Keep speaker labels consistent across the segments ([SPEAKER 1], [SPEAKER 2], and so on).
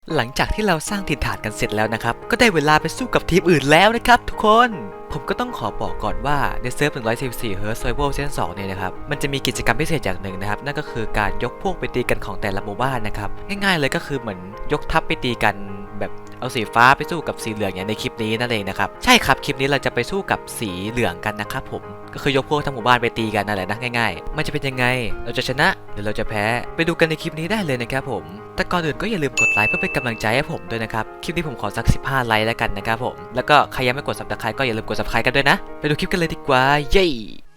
[SPEAKER 1] หลังจากที่เราสร้างถิ่นฐานกันเสร็จแล้วนะครับก็ได้เวลาไปสู้กับทีมอื่นแล้วนะครับทุกคนผมก็ต้องขอบอกก่อนว่าในเซิร์ฟ 144 Hz Survival Season 2 เนี่ยนะครับมันจะมีกิจกรรมพิเศษอย่างหนึ่งนะครับนั่นก็คือการยกพวกไปตีกันของแต่ละหมู่บ้านนะครับง่ายๆเลยก็คือเหมือนยกทัพไปตีกันแบบเอาสีฟ้าไปสู้กับสีเหลืองอย่างในคลิปนี้นั่นเองนะครับใช่ครับคลิปนี้เราจะไปสู้กับสีเหลืองกันนะครับผมก็คือยกพวกทั้งหมู่บ้านไปตีกันนั่นแหละนะง่ายๆมันจะเป็นยังไงเราจะชนะหรือเราจะแพ้ไปดูกันในคลิปนี้ได้เลยนะครับผมแต่ก่อนอื่นก็อย่าลืมกดไลค์เพื่อเป็นกำลังใจให้ผมด้วยนะครับคลิปนี้ผมขอสัก15ไลค์แล้วกันนะครับผมแล้วก็ใครยังไม่กด Subscribe ก็อย่าลืมกด Subscribe กันด้วยนะไปดูคลิปกันเลยดีกว่าเย้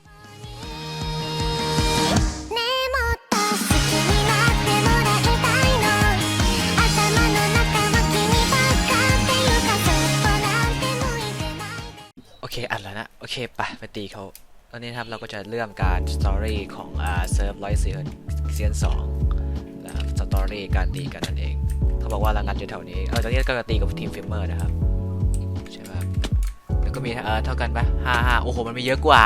[SPEAKER 1] โอเคอัดแล้วนะโอเคไปตีเขาตอนนี้นะครับเราก็จะเริ่มการสตอรี่ของเซิร์ฟ104 Season 2นะครับสตอรี่การตีกันนั่นเองเขาบอกว่าเรางัดอยู่แถวนี้ตอนนี้ก็จะตีกับทีมฟิล์มเมอร์นะครับใช่ไหมแล้วก็มีเท่ากันปะ55โอ้โหมันมีเยอะกว่า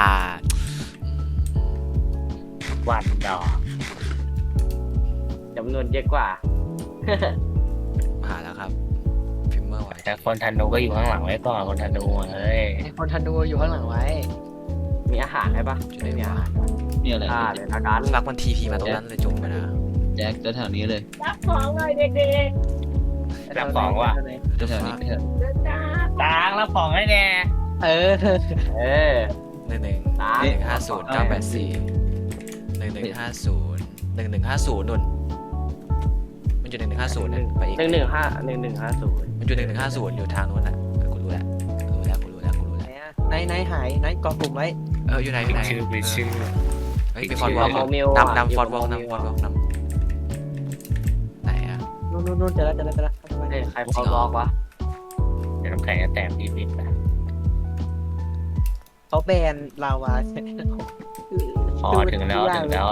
[SPEAKER 2] วันดอกจำนวนเยอะกว่า
[SPEAKER 1] มาหาแล้วครับฟิล์มเมอร์ไว้
[SPEAKER 2] แต่คนธนูก็อยู่ข้างหลังไว้ก่อนคนธนูเฮ้ย
[SPEAKER 3] คนธนูอยู่ข้างหลังไว้
[SPEAKER 2] มีอาหารไหมปะ
[SPEAKER 1] ไม่มีอาหาร
[SPEAKER 4] มีอะไร
[SPEAKER 2] เดี๋ยวนะกัน
[SPEAKER 1] ฝากมันทีพีมาตรงนั้นเลยจบไปนะ
[SPEAKER 4] แจ็คจะแถวนี้เลย
[SPEAKER 5] รับของเลยเด็ก
[SPEAKER 2] รับของว่ะ
[SPEAKER 4] จะแถวนี้เถอะ
[SPEAKER 5] ๆเดินจ้า
[SPEAKER 2] ตางรับของให้แน่
[SPEAKER 3] เออ
[SPEAKER 1] 1150 นุ่นมันอยู่1150นะไปอีก
[SPEAKER 2] 1150
[SPEAKER 1] มันอยู่1150อยู่ทางนู้นน่ะกูรู้แล้ว
[SPEAKER 3] ไหนหายไหนกองกลุ่มไว้
[SPEAKER 1] อยู่ไหน
[SPEAKER 2] ชื่อ
[SPEAKER 1] เฮ้ยไปฟอร์ดวอล์กนำฟอร์ดวอล์กนำไหนอะ
[SPEAKER 3] นู่นเจอแล้ว
[SPEAKER 2] ใครพอบอกวะเดี๋ยวน้ำแข็งจะแตกนิดๆนะ
[SPEAKER 3] เขาแบนลาวา
[SPEAKER 2] ถึงแล้วใกล้ถึงแล้ว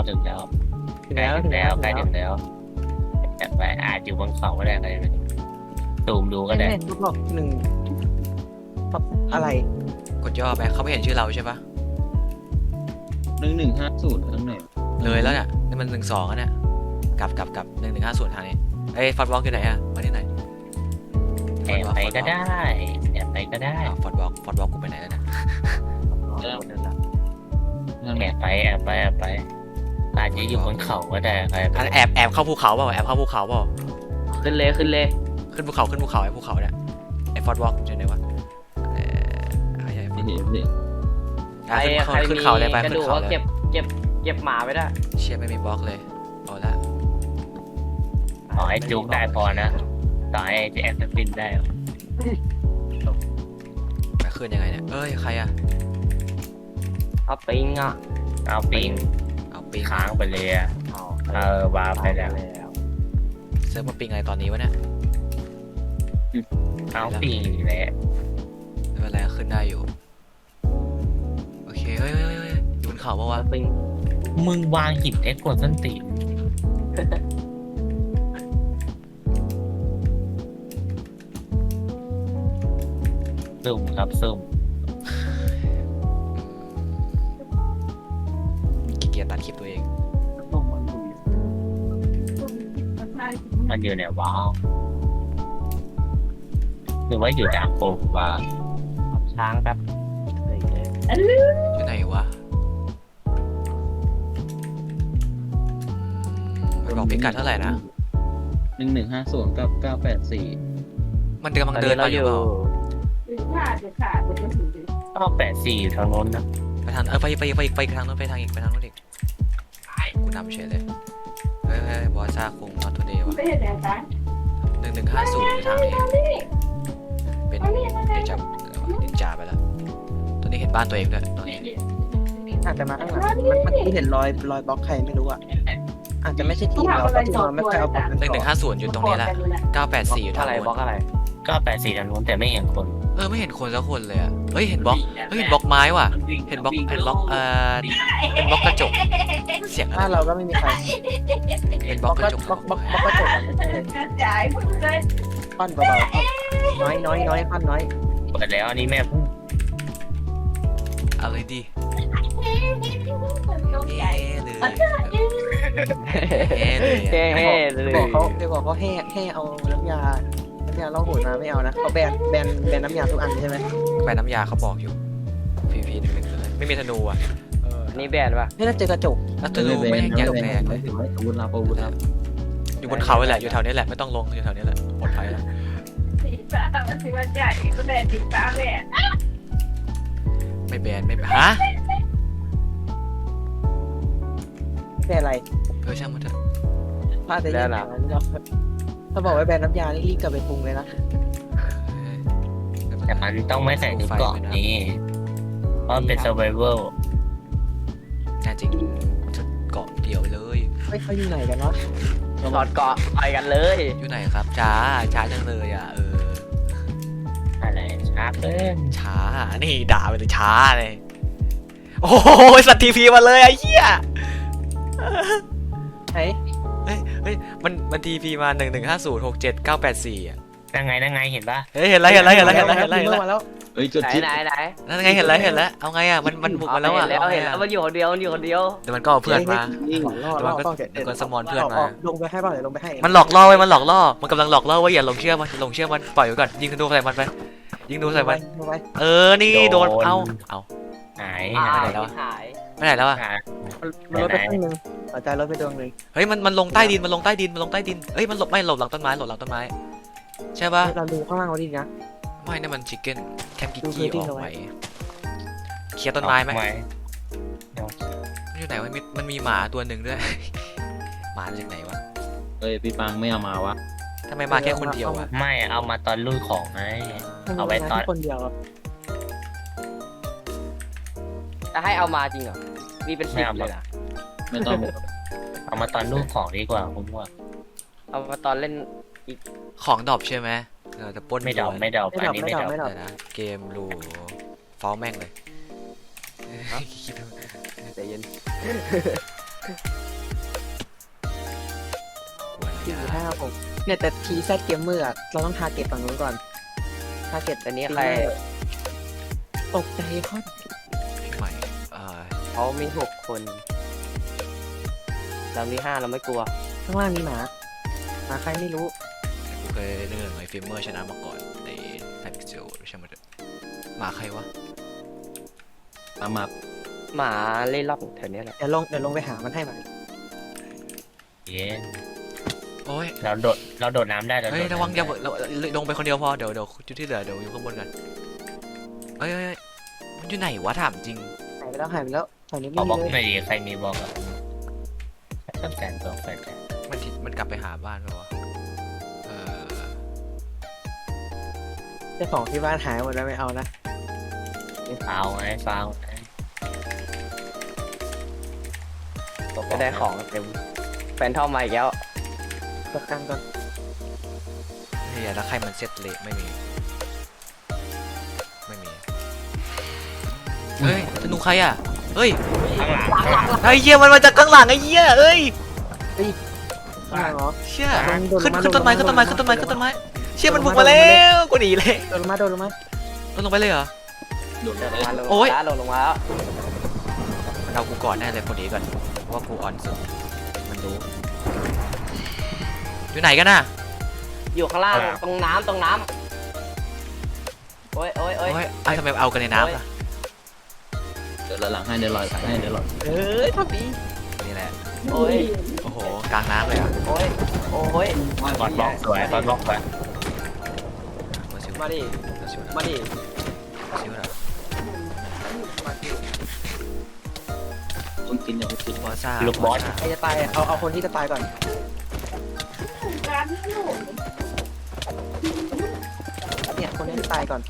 [SPEAKER 2] แต่ไปอาจอยู่บนเขาก็ได้ใครตูมดูก็ได้
[SPEAKER 3] ทุกบอกหนึ่งอะไร
[SPEAKER 1] กดย่อไปเขาไม่เห็นชื่อเราใช่ปะ
[SPEAKER 4] 1150ข้างไหน
[SPEAKER 1] เลยแล้วเนี่ยนี่มัน12แล้วเนี่ยกลับ1150ทางนี้เอ้ยฟอร์ดวอล์กอยู่ไหนอะมาที่ไหน
[SPEAKER 2] แอบไปก็ได้
[SPEAKER 1] ฟอร์ดวอล์กกูไปไหนแล้วเนี่ย
[SPEAKER 4] ข้างไหน
[SPEAKER 2] แอบไปอาจจะอยู่บนเขาก็ได้ใคร
[SPEAKER 1] แอบเข้าภูเขาเปล่า
[SPEAKER 2] ขึ้นเลย
[SPEAKER 1] ขึ้นภูเขาไอ้ภูเขาเนี่ยไอ้ฟอร์ดวอล์กอยู่ไหนวะ
[SPEAKER 4] ไม่เห็นเลย
[SPEAKER 2] ใครมีกระดูกก็เก็บหมาไว้ได้
[SPEAKER 1] เชียไม่มีบล็อกเลยเอาละ
[SPEAKER 2] ขอให้จุกได้พอนะต่อให้จะแอบจะฟินได้
[SPEAKER 1] ไปขึ้นยังไงเนี่ยเอ้ยใครอะ
[SPEAKER 2] เอาปิงค้างไปเลยอ่ะวาไปแล้ว
[SPEAKER 1] เซิร์ฟมาปิงอะไรตอนนี้วะเนี่ย
[SPEAKER 2] เอาปิงแหละ
[SPEAKER 1] ไม่เป็นไรขึ้นได้อยู่โอเคเฮ้ยอยู่บนเขาปะวะ
[SPEAKER 2] ปิงมึงวางหินไอ้กวนส้นตีนซุ่มครับซุ่ม
[SPEAKER 1] ขี้เกียจตัดคลิปตัวเอง
[SPEAKER 2] มันอยู่ไหนวะหรือว่าอยู่ดาโปว่าช้างแป๊บ
[SPEAKER 1] อยู่ไหนวะมันบอกพิกัดเท่าไหร่นะ
[SPEAKER 4] 1150กับ984
[SPEAKER 1] มันกำลังเดินมาอยู่เปล่า
[SPEAKER 5] ถึงขาดจะถึง
[SPEAKER 2] 984อยู่ทางโน้นนะ
[SPEAKER 1] ไปทางไปทางนู้นไปทางอีกกูนำเฉยเลยเฮ้ยบอสซาคงนอตทูเดย์วะ
[SPEAKER 5] ไม่เห็นแต่ตา
[SPEAKER 1] 1150อยู่ทางนี้เป็นนินจาไปแล้วตอนนี้เห็นบ้านตัวเองด้วยตอนนี้
[SPEAKER 3] อาจจะมาข้างหลังเมื่อกี้เห็นรอยบล็อกใครไม่รู้อ่ะอาจจะไม่ใช่ทีมเราทีมเราไม่เคยเอาบล็อก
[SPEAKER 1] 1150อยู่ตรงนี้ละ984อยู่ทาง
[SPEAKER 2] อะไร
[SPEAKER 1] นู้น
[SPEAKER 2] บล็อกอะไร984ทางโน้นแต่ไม่เห็นคน
[SPEAKER 1] ไม่เห็นคนสักคนเลยอ่ะเฮ้ยเห็นบล็อกไม้ว่ะเห็นบล็อกเป็นบล็อกกระจกเสียงอะไร
[SPEAKER 3] ถ้าเราก็ไม่มีใคร
[SPEAKER 1] เป็นบล็อกกระจก
[SPEAKER 3] บล็อกกระจก
[SPEAKER 5] กระจายหมดเลย
[SPEAKER 3] ค่อนเบาๆน้อยค่อนน้อย
[SPEAKER 2] เปิดแล้วอันนี้แม่พูด
[SPEAKER 1] อะไรดีเอ๊ะเลยเอ๊ะเลย
[SPEAKER 6] แก้เลย
[SPEAKER 3] บอกเขาให้เอาน้ำยาล่องหนมาไม่เอานะเขาแบนน้ำยาทุกอันใช่ไหม
[SPEAKER 1] ไปน้ำยาเขาบอกอยู่พีหนึ่งเลยไม่มีธนูอ่ะ
[SPEAKER 6] นี่แบนป่ะ
[SPEAKER 3] ไม่น่าเจอกระจก
[SPEAKER 1] แล้วธนูไม่แย่งแรง
[SPEAKER 4] ไม่ถึงอาวุธลับอาวุธลับ
[SPEAKER 1] อยู่บนเขาเลยแหละอยู่แถวนี้แหละไม่ต้องลงอยู่แถวนี้แหละปลอดภัยแล้ว
[SPEAKER 5] สีฟ้ามันสีมันใหญ่ก็แดดสีฟ้าแดด
[SPEAKER 1] ไม่แบนไม่แบนฮะ
[SPEAKER 3] แบนอะไร
[SPEAKER 1] ช่างมันเถอะ
[SPEAKER 3] พลาดแต่ยังไงถ้าบอกว่าแบนน้ำยานี่รีบกลับไปปรุงเลยนะ
[SPEAKER 2] แต่มันต้องไม่ใส่ในกล่องนี้เพราะมันเป็น survival
[SPEAKER 1] แน่จริงเกาะเดียวเลย
[SPEAKER 3] ไม่เขาอยู่ไหนกันวะ
[SPEAKER 6] ถอดเกาะไปกันเลย
[SPEAKER 1] อยู่ไหนครับช้าจังเลยอ่ะ
[SPEAKER 2] อะไรช้าเกิน
[SPEAKER 1] ช้านี่ด่าไปเลยช้าเลยโอ้โหสัตว์ทีพีมาเลยไอ้เหี้ย
[SPEAKER 3] ไหน
[SPEAKER 1] เฮ้ยมันทีพีมา115067984อ่ะ
[SPEAKER 2] นั่งไงเห็นปะ
[SPEAKER 1] เฮ้ยเห็นแล้ว
[SPEAKER 3] มาแล้ว
[SPEAKER 4] เฮ้ยจุด
[SPEAKER 6] ไหน
[SPEAKER 4] ที่
[SPEAKER 6] ไหน
[SPEAKER 1] นั่นไงเห็นแล้วเอาไงอ่ะมันบุกมาแล้วอ่ะ
[SPEAKER 6] เห็นแล้วมันอยู่คนเดียวเดียว
[SPEAKER 1] เดี๋ยวมันก็เอาเพื่อนมา
[SPEAKER 3] ล่อ
[SPEAKER 1] เดี๋ยวก็สมอนเพื่อนมา
[SPEAKER 3] ลงไปให้เปล่าเดี๋ยวลงไปให้
[SPEAKER 1] มันหลอกล่อไว้มันหลอกล่อมันกำลังหลอกล่อว่าอย่าหลงเชื่อมันปล่อยไว้ก่อนยิงธนูใส่มันไปยิงธนูใส่มัน
[SPEAKER 3] ลงไป
[SPEAKER 1] นี่โดนเอา
[SPEAKER 2] หาย
[SPEAKER 6] หาย
[SPEAKER 1] ไปไหนแล้วอ่ะ
[SPEAKER 3] มันลดไปครึ่งนึงหัวใจลดไปดวงนึง
[SPEAKER 1] เฮ้ยมันลงใต้ดินเฮ้ยมันหลบหลังต้นไม้ใช่ปะ
[SPEAKER 3] เราดูข้างล่างเราดีนะ
[SPEAKER 1] ไม่นั่นมันชิคเก้นแคมกิ
[SPEAKER 3] ดู
[SPEAKER 1] กี้
[SPEAKER 3] พื้นที่
[SPEAKER 1] ออก
[SPEAKER 3] เอา
[SPEAKER 1] ไป
[SPEAKER 3] ไว้
[SPEAKER 1] เคลียร์ต้นไม้ไหม
[SPEAKER 2] ไม่
[SPEAKER 1] มันอยู่ไหนวะมันมีหมาตัวหนึ่งด้วย หมาจากไหนวะ
[SPEAKER 4] เอ้ยพี่ปังไม่เอามาวะ
[SPEAKER 1] ทำไมมาแค่คนเดียวอะ
[SPEAKER 2] ไม่เอามาตอนลุยของไง เอาไว้ตอน
[SPEAKER 3] คนเดียว
[SPEAKER 6] จะให้เอามาจริงเหรอมีเป็นสิบเลยนะ
[SPEAKER 4] ไม่ต้อง
[SPEAKER 2] เอามาตอนลุยของดีกว่าผมว่า
[SPEAKER 6] เอามาตอนเล่น
[SPEAKER 1] ของดรอปใช่ไหมเราจะปล้น
[SPEAKER 2] ไม่เดา
[SPEAKER 1] ด้วย
[SPEAKER 2] ไม่เดาอันนี้ไม่เดา
[SPEAKER 3] ไม่
[SPEAKER 1] เดี๋ยวนะเกมรูฟ้าแม่งเลย
[SPEAKER 6] ใจเย็น
[SPEAKER 3] ถ้าผมเนี่ยแต่ทีแซดเกมเมอร์เราต้องทาร์เก็ตฝั่งนู้นก่อนทาร์เก็ต
[SPEAKER 6] แต่นี้ใคร
[SPEAKER 3] ตกใจเขา
[SPEAKER 1] พี่ใหม่
[SPEAKER 6] เขามี6 คนเรามี5เราไม่กลัว
[SPEAKER 3] ข้างล่างมีหมาใครไม่รู้
[SPEAKER 1] กูเคยเล่นไอ้ฟิล์มเมอร์ชนะมาก่อนในไทพิกเซลใช่ไหมหมาใครวะ
[SPEAKER 4] ตามมา
[SPEAKER 6] หมาเล่นรอบแถวนี้แหละ
[SPEAKER 3] เดี๋ยวลงไปหามันให้มัน
[SPEAKER 2] เย็น
[SPEAKER 1] โอ้ย
[SPEAKER 2] เราโดดน้ำได้เรา
[SPEAKER 1] เฮ้ยระวังอย่าเราลงไปคนเดียวพอเดี๋ยวจุดที่เหลือเดี๋ยวอยู่ข้างบนกันเฮ้ยมันอยู่ไหนวะถามจริง
[SPEAKER 3] หายไปแล้วตอนนี้
[SPEAKER 2] ข
[SPEAKER 3] ไม่
[SPEAKER 2] อ
[SPEAKER 3] มี
[SPEAKER 2] บอก
[SPEAKER 3] เลย
[SPEAKER 2] หน่อยดิใครมีบอกอ่ะต้องการบอกแฟน
[SPEAKER 1] มันกลับไปหาบ้านไปวะ
[SPEAKER 3] เจ้าของที่บ้านหายหมดแล้วไม่เอานะ
[SPEAKER 2] ฟาวไง
[SPEAKER 6] ก็ได้ของเต็มแฟนเท่าใหม่อีกแล้ว
[SPEAKER 3] ประกันก่อน
[SPEAKER 1] เฮียแล้วใครมันเซ็ตเละไม่มีเฮ้ยธนูใครอ่ะเฮ้ย
[SPEAKER 2] ข้างหลัง
[SPEAKER 1] ไอ้เหี้ยมันมาจากข้างหลังไอ้เหี้ยเอ้ย
[SPEAKER 3] ข้างล่างเหรอ
[SPEAKER 1] เชี่ย
[SPEAKER 3] โดดลงมา
[SPEAKER 1] ขึ้นต้นไม้เชี่ยมันบุกมาแล้วกูหนีเลย
[SPEAKER 3] โดนลงมา
[SPEAKER 1] ลงไปเลยเหรอ
[SPEAKER 4] โดด
[SPEAKER 6] ลง
[SPEAKER 4] ได้
[SPEAKER 6] มาลง
[SPEAKER 1] โอ๊ย
[SPEAKER 6] มาลงมาแล้ว
[SPEAKER 1] มันเอากูก่อนแน่เลยคนนี้ก่อนเพราะว่ากูอ่อนสุดมันรู้อยู่ไหนกันน่ะ
[SPEAKER 6] อยู่ข้างล่างตรงน้ำโอ้ย
[SPEAKER 1] โอ้ยไอ้ทำไมเอากันในน้ำล่ะ
[SPEAKER 4] เดี๋ยวหลังให้เดี๋ยวลอยให้เดี๋ยวลอย
[SPEAKER 3] ทำดี
[SPEAKER 1] นี่แหละ
[SPEAKER 6] โอ้ย
[SPEAKER 1] โอ้โหกลางน้ำเลยอ่ะ
[SPEAKER 6] โอ้ย
[SPEAKER 2] บอลบล็อกสวยบอลบล็อกสวย
[SPEAKER 6] มาดิมาดิ
[SPEAKER 4] คนกินอย่าไปกิน
[SPEAKER 1] บอซ่า
[SPEAKER 2] ลูกบอล
[SPEAKER 3] ใครจะตายเอาคนที่จะตายก่อน
[SPEAKER 5] การที่ลูก
[SPEAKER 3] เนี่ยคนที่จะตายก่อน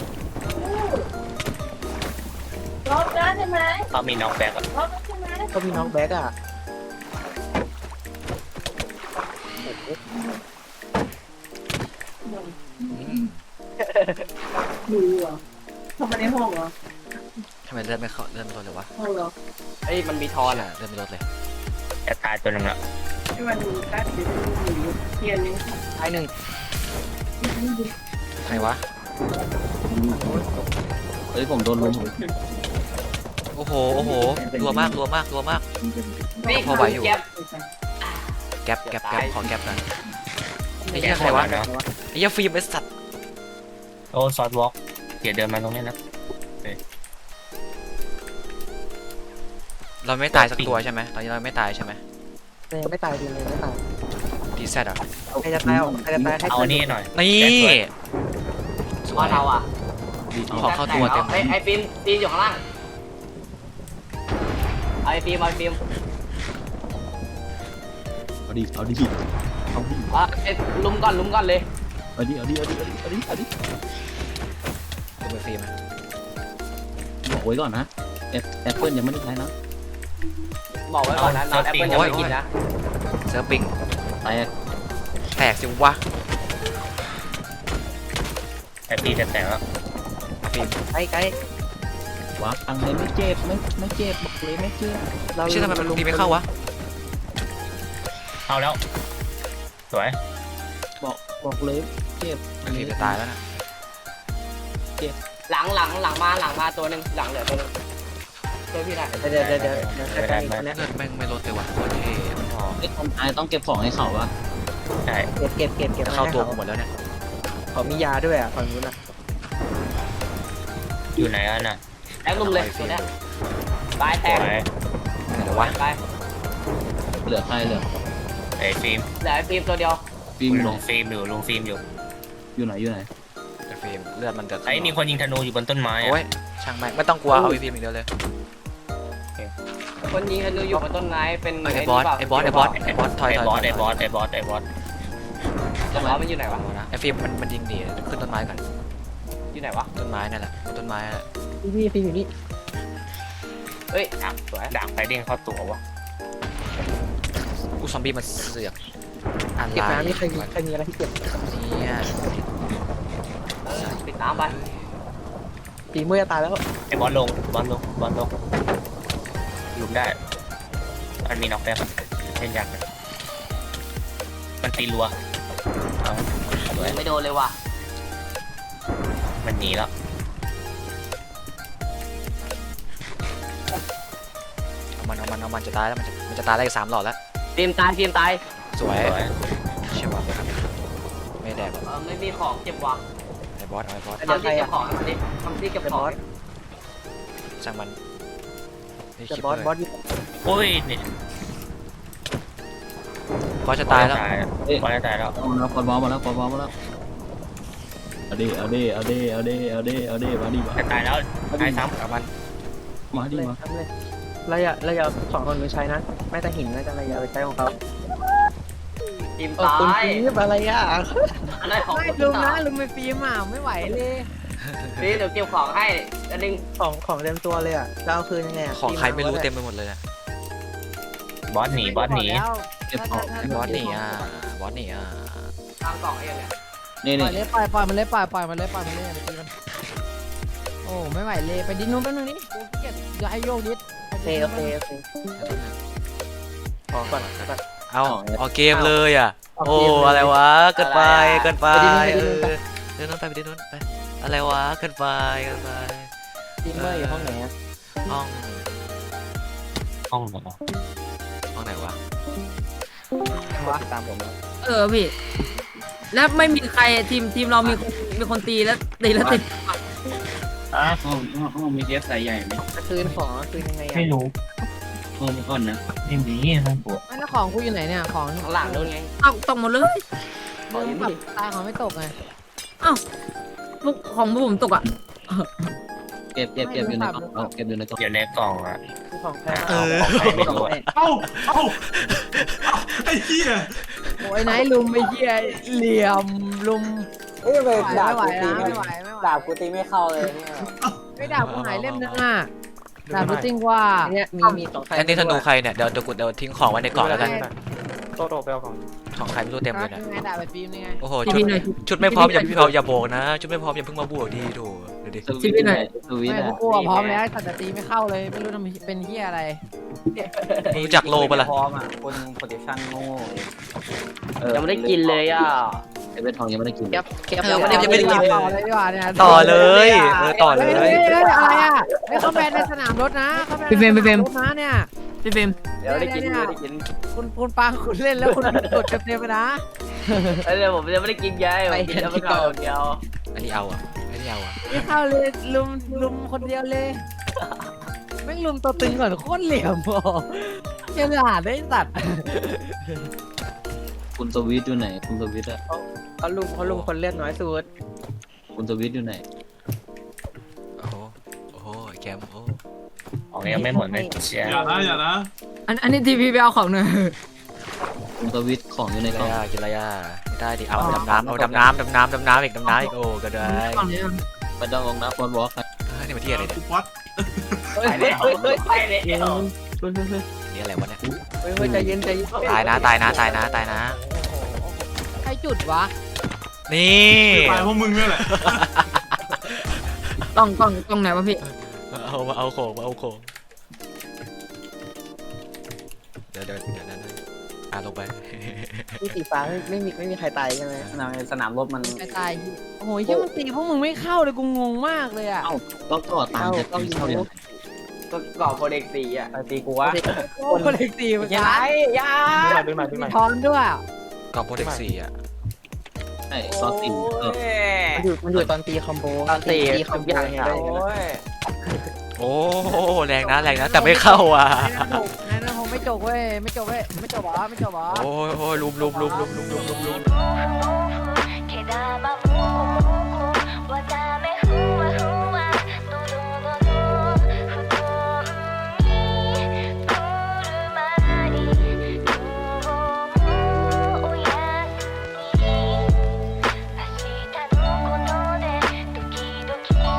[SPEAKER 5] รอบนั้นใช่ไหม
[SPEAKER 2] เขามีน้องแบกอ่ะ
[SPEAKER 5] รอบนั้นใช่ไหม
[SPEAKER 3] ก็มีน้องแบ็กอ่ะ
[SPEAKER 5] ดูอ่ะเข้ามาในห้องเหรอ
[SPEAKER 1] ทำไมเลื่อนไม่ลดเลยวะ
[SPEAKER 5] ห้องเหรอ
[SPEAKER 6] เอ้ยมันมีทอนอ่ะ
[SPEAKER 1] เลื่อนไม่ลดเลย
[SPEAKER 2] จะตายตัวหนึงละ
[SPEAKER 5] ที่มันดูแป๊บเดียวดูเทียนนึง
[SPEAKER 3] ตายหนึ่ง
[SPEAKER 1] ใครวะ
[SPEAKER 4] เฮ้ยผมโดนลุม
[SPEAKER 1] โอ้อ้โหโอ้โหรัวมากรัวมากรัวมาก
[SPEAKER 6] นี่
[SPEAKER 1] พอไหวอยู่
[SPEAKER 6] แก๊ป
[SPEAKER 1] แก๊ปแก๊ปแก๊ปขอแก๊ปหน่อยไอ้เหี้ยใครวะ
[SPEAKER 2] เนาะ
[SPEAKER 1] ไอ้เหี้ยฟิล์มไอ้สัตว์
[SPEAKER 2] โอ้ซอสวอล์กเดี๋ยวเดินมาตรงนี้นะ
[SPEAKER 1] เราไม่ตายสักตัวใช่ไหมตอนนี้เราไม่ตายใช่ไหม
[SPEAKER 3] เลยไม่ตายดีเลยไม่ตาย
[SPEAKER 1] ดีแซดอ่ะ
[SPEAKER 3] ใครจะตายใครจะตายให้
[SPEAKER 2] เอา
[SPEAKER 3] เพื่อน
[SPEAKER 2] นี่หน่อย
[SPEAKER 1] นี่สว
[SPEAKER 6] ว่าย เราอ่ะ
[SPEAKER 1] ขอเข้าตัวเต็ม
[SPEAKER 6] ไอ้ฟิล์มอยู่ข้างล่างไอ้ฟิล์ม
[SPEAKER 4] เอาดิเอาดิเอาดิ
[SPEAKER 6] ลุมก่อนเลย
[SPEAKER 4] เอาดิเอาดิเอาดิเอาดิเอาดิ
[SPEAKER 1] ดูไปฟิล์ม
[SPEAKER 4] บอกไว้ก่อนนะแอปเปิลยังไม่ได้ใช้นะ
[SPEAKER 6] บอกไว้ก่อนนะน้องแอปเปิลยังไม่กินนะ
[SPEAKER 1] เซิร์ฟปิง
[SPEAKER 4] แตก
[SPEAKER 1] แตกสิวะ
[SPEAKER 2] แต่พี่จะแตกแล้ว
[SPEAKER 1] ฟิล์ม
[SPEAKER 3] ไกล
[SPEAKER 4] วางตังเลยไม่เจ็บไม่เจ็บบอกเลยไม่เจ็บ
[SPEAKER 3] ๆเรา
[SPEAKER 1] ไม่ใช่ทำไมมันตีไม่เข้าวะ
[SPEAKER 2] เอาแล้วสวย
[SPEAKER 4] บอกเลยเจ็บ
[SPEAKER 1] ฟิล์มจะตายแล้วนะ
[SPEAKER 6] หลังมาตัวหนึ่งหลังเหลือตัวหนึ่งช่วยพี่ได้
[SPEAKER 3] เดี๋ยวใกล้ๆคนนี้
[SPEAKER 1] เลือดแม่งไม่ลดเลยว่ะโคตรเท่
[SPEAKER 4] ไอ้คนตายต้องเก็บของให้เขาวะ
[SPEAKER 2] ใช่
[SPEAKER 3] เก็บ
[SPEAKER 1] จะเข้าตัวกูหมดแล้วเนี่ย
[SPEAKER 3] เขามียาด้วยอ่ะฝั่งนู้นอ่ะ
[SPEAKER 2] อยู่ไหนอ่ะน่ะ
[SPEAKER 6] แอปลุมเลยตัวเนี้ยตายแต
[SPEAKER 2] ส
[SPEAKER 6] ก
[SPEAKER 2] วย
[SPEAKER 1] เดี๋ยววะ
[SPEAKER 6] ไป
[SPEAKER 4] เหลือใครเหลือ
[SPEAKER 2] ไอ้ฟิล์ม
[SPEAKER 6] เหลือไอ้ฟิล์มตัวเดียว
[SPEAKER 4] ฟิล์ม
[SPEAKER 2] ลุงฟิล์มอยู่
[SPEAKER 4] อยู่ไหน
[SPEAKER 1] แต่ฟิล์มเลือดมันเดือด
[SPEAKER 2] ไอ้มีคนยิงธนูอยู่บนต้นไม้
[SPEAKER 1] โอ้
[SPEAKER 2] อะ
[SPEAKER 1] ยช่างแม่งไม่ต้องกลัวเอาไอ้ฟิล์มอย่างเดียวเลย
[SPEAKER 6] คนยิงกันดูอยู่บนต้นไม้เป็น
[SPEAKER 1] ไอ้บอสถอย
[SPEAKER 2] ไอ้
[SPEAKER 1] ถอย
[SPEAKER 2] บอส
[SPEAKER 1] ถ
[SPEAKER 2] ไอ้
[SPEAKER 1] อย
[SPEAKER 2] บอสไอ้บอสไอ้บอส
[SPEAKER 6] ไอ้บอสมันอยู่ไหนวะ
[SPEAKER 1] นะไอ้ฟิล์มมันยิงดีขึ้นต้นไม้ก่อน
[SPEAKER 6] อยู่ไหนวะ
[SPEAKER 1] ต้นไม้นั่นแหละต้นไม้
[SPEAKER 3] พี่อยู่นี่
[SPEAKER 6] เฮ้ยสวย
[SPEAKER 2] ดาบไปเด้งเข้าตัววะ
[SPEAKER 1] กูซอมบี้มันเสือกอะไร
[SPEAKER 3] เก็บน้ำนี่ใครมีอะไรที่เก็บ
[SPEAKER 1] เนี่ย
[SPEAKER 6] ปิดน้ำไป
[SPEAKER 3] ตีมือจะตายแล้ว
[SPEAKER 2] ไอ้บอสลงหลุมได้มันมีน็อกแบ็คเช่นยักษ์มันตีรัวเอาสวย
[SPEAKER 6] ไม่โดนเลยว่ะ
[SPEAKER 2] มันหนีแล้ว
[SPEAKER 1] เอามันจะตายแล้วมันจะตายได้อีก3 หลอดแล้ว
[SPEAKER 6] ฟิล์มตาย
[SPEAKER 1] สวย
[SPEAKER 2] สวย
[SPEAKER 1] เชื่อว่าไม่แดกหรอก
[SPEAKER 6] ไม่มีของเก็บว่ะ
[SPEAKER 1] ไอ้บอสเอาไอ้บอส
[SPEAKER 6] ทำที่เก็บของดิทำที่เก็บของ
[SPEAKER 1] ช่างมัน
[SPEAKER 3] จะบอสอยู่
[SPEAKER 2] โอ้ยเนี่ย
[SPEAKER 1] บอสจะตายแล้ว
[SPEAKER 2] บอสจะตายแล้ว
[SPEAKER 4] เอาแล้วปอบอลมาแล้วเอาดิมาดิมา
[SPEAKER 2] จะตายแล้วตายซ้
[SPEAKER 1] เอามัน
[SPEAKER 4] มาดิ
[SPEAKER 3] เลย
[SPEAKER 4] มา
[SPEAKER 3] ทำเลยเราอย่าของคนนู้นใช้นะไม่แต่หินน่าจะเราอย่าไปใช้ของเขา
[SPEAKER 6] ฟิล์ม
[SPEAKER 3] คุณ
[SPEAKER 6] ตาย
[SPEAKER 3] ฟีบอะไรอ่ะ
[SPEAKER 6] อะไรของ
[SPEAKER 7] ไม่ลุงนะลุงไปฟิล์มอ่ะไม่ไหวเลย
[SPEAKER 6] ฟิล์มเดี๋ยวเก็บของให้อันนึง
[SPEAKER 3] ของเต็มตัวเลยอ่ะจะเอาคืนยังไงอ่ะ
[SPEAKER 1] ของใครไม่รู้เต็มไปหมดเลยนะ
[SPEAKER 2] ำบอสหนี
[SPEAKER 4] เก็บของ
[SPEAKER 1] ไอ้บอสหนีอ่ะ
[SPEAKER 6] ทางกล่องไอ้ยังไง
[SPEAKER 4] นี่
[SPEAKER 7] ปล่อยเลยปล่อยมันเลยปล่อยมันเลยอย่าไปตีมันโอ้ไม่ไหวเลยไปดิ้นนู้นแป๊บนึงนี่กูเกลียดอย่าให้โยกดิส
[SPEAKER 3] โอเคขอก่อน
[SPEAKER 1] เอาเกมเลยอ่ะโอ้อะไรวะเกินไปเดินนู้นไปดินนู้นไปอะไรวะเกินไป
[SPEAKER 3] ทีมเมอร์อยู่ห้องไหนอ่ะ
[SPEAKER 1] ห้อง
[SPEAKER 2] ห้องเหรอ
[SPEAKER 1] ห้องไหนวะ
[SPEAKER 3] ตามผมแล้ว
[SPEAKER 7] พี่แล้วไม่มีใครทีมเรามีคนตีแล้วติด
[SPEAKER 4] ห้องมีเจฟใส่ใหญ่ไหม
[SPEAKER 3] คืนของคืนยังไงอ่ะ
[SPEAKER 2] ไม่รู้
[SPEAKER 4] ห้องก่อนนะ
[SPEAKER 2] ไม่มีห้องปวด
[SPEAKER 7] แล้วของกูอยู่ไหนเนี่ยของ
[SPEAKER 6] ข้างหลังนู่นไง
[SPEAKER 7] ตกหมดเลยแบบตายของไม่ตกไงอ้าวของผมตกอ่ะ
[SPEAKER 4] เก็บอยู่ในกล่องเก็บอยู่ในกล่อง
[SPEAKER 2] อยู่ในกล่องอ่ะ
[SPEAKER 3] ของแพง
[SPEAKER 2] ของใครไม่รู้อะ
[SPEAKER 8] ไอ้เหี้ย
[SPEAKER 7] โอ้ยไหนลุมไม่เหี้ยเหลี่ยมลุม
[SPEAKER 9] เอ้ยไปด่า
[SPEAKER 7] ไม่ไหว
[SPEAKER 9] กูตี
[SPEAKER 7] นะ
[SPEAKER 9] ไม่
[SPEAKER 7] ไม่ไหว
[SPEAKER 9] ด่ากูตีไม่เข้าเลยเนี่ย
[SPEAKER 7] ไม่ด่ากูหายเล่มนึงอ่ะด่ากูจริงว่า
[SPEAKER 3] เนี่ยมีของใคร
[SPEAKER 1] อันนี้ธนูใครเนี่ยเดี๋ยวทิ้งของไว้ในกล่องแล้วกัน
[SPEAKER 3] โตไปเอาของ
[SPEAKER 1] ของใครไม่รู้เต็มเลยนะ
[SPEAKER 7] ไงด่าไปฟิล์มนี่ไง
[SPEAKER 1] โอ้โห
[SPEAKER 7] ชีวิตหน่อย
[SPEAKER 1] ชุดไม่พร้อมอย่าโบกนะชุดไม่พร้อมอย่าเพิ่งมาบวกดีดูดิ
[SPEAKER 4] สวิตช์ไหน
[SPEAKER 7] ไม่กูพร้อมแล้วแต่ตีไม่เข้าเลยไม่รู้ทำเป็นเหี้ยอะไร
[SPEAKER 1] รู้จักโลปะล่ะ
[SPEAKER 9] พร้อมอ่ะคนโปรเทคชั่นโง่
[SPEAKER 6] ยังไม่ได้กินเลยอ่ะ
[SPEAKER 4] ไอ้เวททองยังไม่ได้กิน
[SPEAKER 3] แก๊ปแก๊ป
[SPEAKER 1] เออวันนี้ยังไม่ได้กิน
[SPEAKER 7] ต่อเลยดีกว่าเนี่ย
[SPEAKER 1] ต่อเลยต่อเล
[SPEAKER 7] เฮ้ย
[SPEAKER 1] ย
[SPEAKER 7] เฮ้ยอะไรอ่ะไม่เขาแบนในสนามรถนะเขาแบนในสนามรถนะเนี่ย
[SPEAKER 6] พี่ฟิล์มเดี๋ยวได้กิน
[SPEAKER 7] เนี่ย
[SPEAKER 6] เดี๋ยวได้กิน
[SPEAKER 7] คุณปังคุณเล่นแล้วคุณกดเต็มๆไปนะ
[SPEAKER 6] เดี๋ยวผมจะไม่ได้กินไงผมกินแล้วมันก่อนเดียว
[SPEAKER 1] อันนี้เอาอ่ะอันนี้เอาอ่ะ
[SPEAKER 7] นี่เข้าเลยลุมคนเดียวเลยแม่งลุมตัวตึงก่อนโคตรเหลี่ยมอ่ะเฉลาดได้สัตว์
[SPEAKER 4] คุณสวิตอยู่ไหนคุณสวิตอะ
[SPEAKER 3] เขาลุมคนเลือดน้อยสุด
[SPEAKER 4] คุณสวิตอยู่ไหน
[SPEAKER 1] โอ้โหโอ้โหแกมโอ้
[SPEAKER 2] ของยังไม่หมดเลยเชียร์
[SPEAKER 8] อย่านะ
[SPEAKER 7] อันนี้ทีพีไปเอาของหน่อย
[SPEAKER 4] คุณสวิตของอยู่ใน
[SPEAKER 1] กิน
[SPEAKER 4] ก
[SPEAKER 1] อะไร
[SPEAKER 4] ล่อง
[SPEAKER 1] อ่ะกินอะไรอ่ะไม่ได้ดิเอาดำน้ำเอาดำน้ำอีกดำน้ำอีกโอ้ก็ได้
[SPEAKER 4] ไม่ต้องลงนะฟอนวอล์ก
[SPEAKER 1] นี่มาที่อะไรเนี่ย
[SPEAKER 8] วัด
[SPEAKER 2] ไปแล้วไปแล้ว
[SPEAKER 1] นี่อะไรวะเนี่ย
[SPEAKER 3] เฮ้ยใจเย็นใจเย็น
[SPEAKER 1] ตายนะตายนะตายนะตายนะ
[SPEAKER 7] ใครจุดวะ
[SPEAKER 1] นี่
[SPEAKER 8] ตายเพราะมึงเนี่ยแหละ
[SPEAKER 7] ต้องไหนวะพี่
[SPEAKER 1] เอาโขงเดี๋ยวลงไป
[SPEAKER 3] ที่สีฟ้าไม่มีใครตายใช่ไหม
[SPEAKER 9] สนามรบมัน
[SPEAKER 7] ตายโอ้โหยี่มันตีพวกมึงไม่เข้าเลยกูงงมากเลยอ่ะ
[SPEAKER 4] ก็ต่อตามจะตีเข้าเดียว
[SPEAKER 6] ก็ก่อโปรเด็กสี่อ่ะ
[SPEAKER 9] ตีกูวะ
[SPEAKER 7] โอ้คนเล็กตีมัน
[SPEAKER 6] ยังไงยา
[SPEAKER 3] เป็นใหม่
[SPEAKER 7] มีทอนด้วย
[SPEAKER 1] กองโปรเทค4อ่ะ
[SPEAKER 4] ใช่ตอนตี
[SPEAKER 3] มันอยู่ตอนตีคอมโบ
[SPEAKER 6] ตอนตี
[SPEAKER 3] คอมโบ
[SPEAKER 6] อย่าง
[SPEAKER 3] ไง
[SPEAKER 6] เงี้ย
[SPEAKER 3] ได้
[SPEAKER 6] โอ้ย
[SPEAKER 1] โอ้แรงนะแต่ไม่เข้าอ่ะ
[SPEAKER 7] นั่นผมไม่จบเว้ยไม่จบหรอ
[SPEAKER 1] โอ้ยลุม
[SPEAKER 5] 계단만 보고